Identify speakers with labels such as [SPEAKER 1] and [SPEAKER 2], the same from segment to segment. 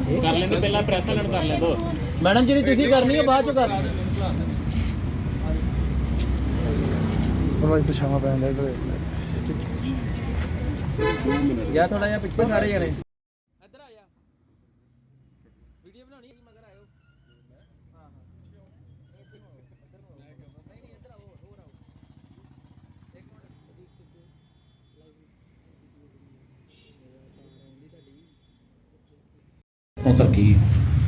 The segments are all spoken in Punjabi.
[SPEAKER 1] ਕਰ ਲੈਂਦੇ ਪਹਿਲਾਂ ਪ੍ਰੈਸ ਵਾਲਿਆਂ ਨੂੰ ਕਰ ਲੈਂਦੋ
[SPEAKER 2] ਮੈਡਮ ਜਿਹੜੀ ਤੁਸੀਂ ਕਰਨੀ ਹੈ ਬਾਅਦ ਚੋਂ ਕਰ
[SPEAKER 3] ਭਾਈ ਪਛਾਵਾ ਪੈਂਦਾ ਇਧਰ
[SPEAKER 2] ਜਾਂ ਥੋੜਾ ਜਿਹਾ ਪਿੱਛੇ ਸਾਰੇ ਜਣੇ ਇੱਧਰ ਆ ਜਾ ਵੀਡੀਓ ਬਣਾਉਣੀ ਹੈ ਮਗਰ ਆਇਓ ਹਾਂ ਹਾਂ ਨਹੀਂ ਇੱਧਰ ਆਓ ਹੋਰ ਆਓ ਇੱਕ ਮਿੰਟ
[SPEAKER 1] ਹੁਣ ਸਰ ਕੀ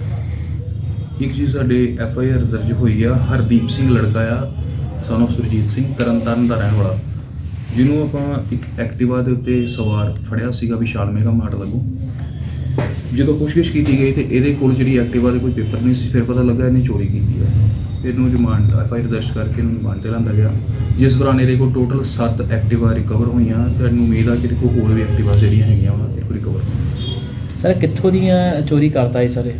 [SPEAKER 4] ਇੱਕ ਜੀ ਸਾਡੇ FIR ਦਰਜ ਹੋਈ ਆ ਹਰਦੀਪ ਸਿੰਘ ਲੜਕਾ ਆ ਸਨ ਆਫ ਸੁਰਜੀਤ ਸਿੰਘ ਤਰਨਤਾਰਨ ਦਾ ਰਹਿਣ ਵਾਲਾ, ਜਿਹਨੂੰ ਆਪਾਂ ਇੱਕ ਐਕਟਿਵਾ ਦੇ ਉੱਤੇ ਸਵਾਰ ਫੜਿਆ ਸੀਗਾ ਵਿਸ਼ਾਲ ਮੇਗਾ ਮਾਰਟ ਲੱਗੂ। ਜਦੋਂ ਪੁੱਛਗਿੱਛ ਕੀਤੀ ਗਈ ਤੇ ਇਹਦੇ ਕੋਲ ਜਿਹੜੀ ਐਕਟਿਵਾ ਦੇ ਕੋਈ ਪੇਪਰ ਨਹੀਂ ਸੀ, ਫਿਰ ਪਤਾ ਲੱਗਾ ਇਹਨੇ ਚੋਰੀ ਕੀਤੀ ਆ। ਇਹਨੂੰ ਰਿਮਾਂਡ FIR ਦਰਜ ਕਰਕੇ ਇਹਨੂੰ ਰਿਮਾਂਡ 'ਤੇ ਲਿਆਂਦਾ ਗਿਆ, ਜਿਸ ਦੌਰਾਨ ਇਹਦੇ ਕੋਲ ਟੋਟਲ 7 ਐਕਟਿਵਾ ਰਿਕਵਰ ਹੋਈਆਂ ਤੇ ਇਹਨੂੰ ਉਮੀਦ ਆ ਕਿ ਇਹਦੇ ਕੋਲ ਹੋਰ ਵੀ ਐਕਟਿਵਾ ਜਿਹੜੀਆਂ ਹੈਗੀਆਂ ਉਹਨਾਂ ਦੇ ਕੋਲ ਰਿਕਵਰ ਹੋਣਗੀਆਂ।
[SPEAKER 1] ਸਰ ਕਿੱਥੋਂ ਦੀਆਂ ਚੋਰੀ ਕਰਦਾ ਹੈ ਸਰ?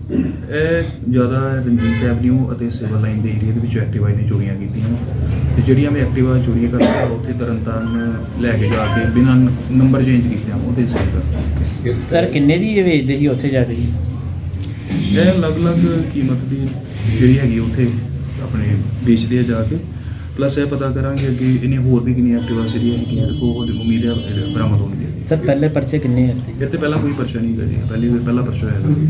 [SPEAKER 4] ਇਹ ਜ਼ਿਆਦਾ ਰਣਜੀਤ ਐਵਨਿਊ ਅਤੇ ਸਿਵਲ ਲਾਈਨ ਦੇ ਏਰੀਆ ਦੇ ਵਿੱਚ ਐਕਟਿਵਾ ਨੇ ਚੋਰੀਆਂ ਕੀਤੀਆਂ ਤੇ ਜਿਹੜੀਆਂ ਮੈਂ ਐਕਟਿਵਾ ਚੋਰੀਆਂ ਕਰਦਾ ਉੱਥੇ ਤਰਨਤਾਰਨ ਲੈ ਕੇ ਜਾ ਕੇ ਬਿਨਾਂ ਨੰਬਰ ਚੇਂਜ ਕੀਤਿਆਂ ਉਹਦੇ ਸੇਲ
[SPEAKER 1] ਸਰ ਕਿੰਨੇ ਦੀ ਇਹ ਵੇਚਦੇ ਸੀ ਉੱਥੇ ਜਾ ਕੇ?
[SPEAKER 4] ਇਹ ਅਲੱਗ-ਅਲੱਗ ਕੀਮਤ ਦੀ ਜਿਹੜੀ ਹੈਗੀ ਉੱਥੇ ਆਪਣੇ ਵੇਚਦੇ ਆ ਜਾ ਕੇ। ਪਲੱਸ ਇਹ ਪਤਾ ਕਰਾਂਗੇ ਕਿ ਇਹਨੇ ਹੋਰ ਵੀ ਕਿੰਨੀਆਂ ਐਕਟਿਵਾ ਜਿਹੜੀਆਂ ਹੈਗੀਆਂ ਉਹ ਉਮੀਦ ਹੈ ਬਰਾਮਦ ਹੋਣਗੀਆਂ।
[SPEAKER 1] ਸਰ ਪਹਿਲੇ ਪਰਚੇ ਕਿੰਨੇ ਹੈ?
[SPEAKER 4] ਇਹ ਤੇ ਪਹਿਲਾਂ ਕੋਈ ਪਰਚਾ ਨਹੀਂ ਕਰੀ, ਪਹਿਲਾ ਪਰਚਾ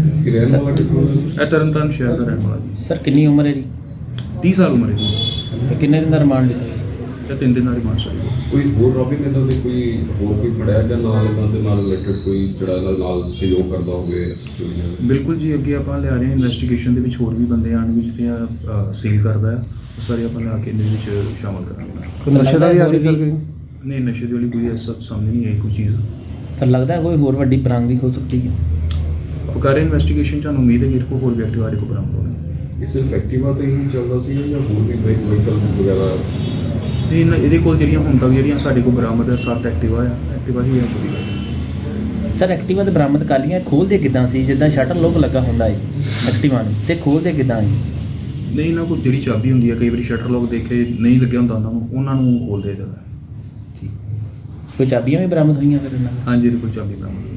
[SPEAKER 4] ਹੈ ਇਹ ਤਰਨਤਾਰਨ ਸ਼ਹਿਰ ਦਾ ਰਹਿਣ ਵਾਲਾ ਜੀ।
[SPEAKER 1] ਸਰ ਕਿੰਨੀ ਉਮਰ ਹੈ ਦੀ?
[SPEAKER 4] 30 ਸਾਲ ਉਮਰ ਹੈ ਜੀ
[SPEAKER 1] ਤੇ ਕਿੰਨੇ ਦਿਨ ਦਾ ਰਿਮਾਂਡ ਲਿਆ?
[SPEAKER 4] ਤੇ 3 ਦਿਨ ਦਾ ਰਿਮਾਂਡ ਚਾਹੀਦਾ।
[SPEAKER 5] ਕੋਈ ਹੋਰ ਰੋਬਿੰਗ ਇਦਾਂ ਦੇ ਕੋਈ ਹੋਰ ਕੋਈ ਫੜਿਆ ਜਾਂ ਨਾਲ ਇਹਨਾਂ ਦੇ ਨਾਲ ਰਿਲੇਟਡ ਕੋਈ ਜਿਹੜਾ ਨਾਲ ਸਹਿਯੋਗ ਕਰਦਾ ਹੋਵੇ ਚੋਰੀਆਂ ਦਾ?
[SPEAKER 4] ਬਿਲਕੁਲ ਜੀ, ਅੱਗੇ ਆਪਾਂ ਲਿਆ ਰਹੇ ਹਾਂ ਇਨਵੈਸਟੀਗੇਸ਼ਨ ਦੇ ਵਿੱਚ ਹੋਰ ਵੀ ਬੰਦੇ ਆਉਣਗੇ ਜਿਹੜੇ ਸੇਲ ਕਰਦਾ ਹੈ, ਉਹ ਸਾਰੇ ਆਪਾਂ ਲਿਆ ਕੇ ਇਹਦੇ ਵਿੱਚ ਸ਼ਾਮਲ ਕਰਾਂਗੇ।
[SPEAKER 3] ਕੋਈ ਨਸ਼ੇ ਦਾ ਵੀ ਆਦੀ ਸਰ ਕੋਈ?
[SPEAKER 4] ਨਹੀਂ, ਨਸ਼ੇ ਦੀ ਵਾਲੀ ਕੋਈ ਐਸਾ ਸਾਹਮਣੇ ਨਹੀਂ ਆਈ ਕੋਈ ਚੀਜ਼।
[SPEAKER 1] ਸਰ ਲੱਗਦਾ ਕੋਈ ਹੋਰ ਵੱਡੀ ਪ੍ਰਾਂਗ ਵੀ ਹੋ ਸਕਦੀ ਹੈ?
[SPEAKER 4] ਆਪਾਂ ਕਰ ਰਹੇ ਇਨਵੈਸਟੀਗੇਸ਼ਨ, ਸਾਨੂੰ ਉਮੀਦ ਹੈ ਕਿ ਇਹਦੇ ਕੋਲ ਹੋਰ ਵੀ ਐਕਟਿਵਾ ਦੇ ਕੋਲ ਬਰਾਮਦ ਹੋਣਗੇ।
[SPEAKER 5] ਇਹ ਸਿਰਫ ਐਕਟਿਵਾ ਤੇ ਹੀ ਚੱਲਦਾ ਸੀ ਜਾਂ ਹੋਰ ਵੀ ਵਹੀਕਲ ਵਗੈਰਾ?
[SPEAKER 4] ਤੇ ਇਹਦੇ ਕੋਲ ਜਿਹੜੀਆਂ ਹੁਣ ਤੱਕ ਜਿਹੜੀਆਂ ਸਾਡੇ ਕੋਲ ਬਰਾਮਦ ਹੈ 7 ਐਕਟਿਵਾ ਹੀ ਹੈ ਪੂਰੀ।
[SPEAKER 1] ਸਰ ਐਕਟਿਵਾ ਤੇ ਬਰਾਮਦ ਕਰ ਲਈਆਂ, ਖੋਲਦੇ ਕਿੱਦਾਂ ਸੀ? ਜਿੱਦਾਂ ਸ਼ਟਰ ਲੋਕ ਲੱਗਾ ਹੁੰਦਾ ਹੈ ਐਕਟਿਵਾ ਨੂੰ, ਤੇ ਖੋਲਦੇ ਕਿੱਦਾਂ ਹੈ?
[SPEAKER 4] ਨਹੀਂ, ਇਹਨਾਂ ਕੋਲ ਜਿਹੜੀ ਚਾਬੀ ਹੁੰਦੀ ਹੈ, ਕਈ ਵਾਰੀ ਸ਼ਟਰ ਲੋਕ ਦੇਖੇ ਨਹੀਂ ਲੱਗਿਆ ਹੁੰਦਾ ਉਹਨਾਂ ਨੂੰ ਖੋਲਦੇ ਜਾਂਦਾ।
[SPEAKER 1] ਕੋਈ ਚਾਬੀਆਂ ਵੀ ਬਰਾਮਦ ਹੋਈਆਂ ਫਿਰ ਇਹਨਾਂ ਨਾਲ?
[SPEAKER 4] ਹਾਂਜੀ, ਇਹਦੇ ਕੋਲ ਚਾਬੀ ਬਰਾਮਦ ਹੋਈ।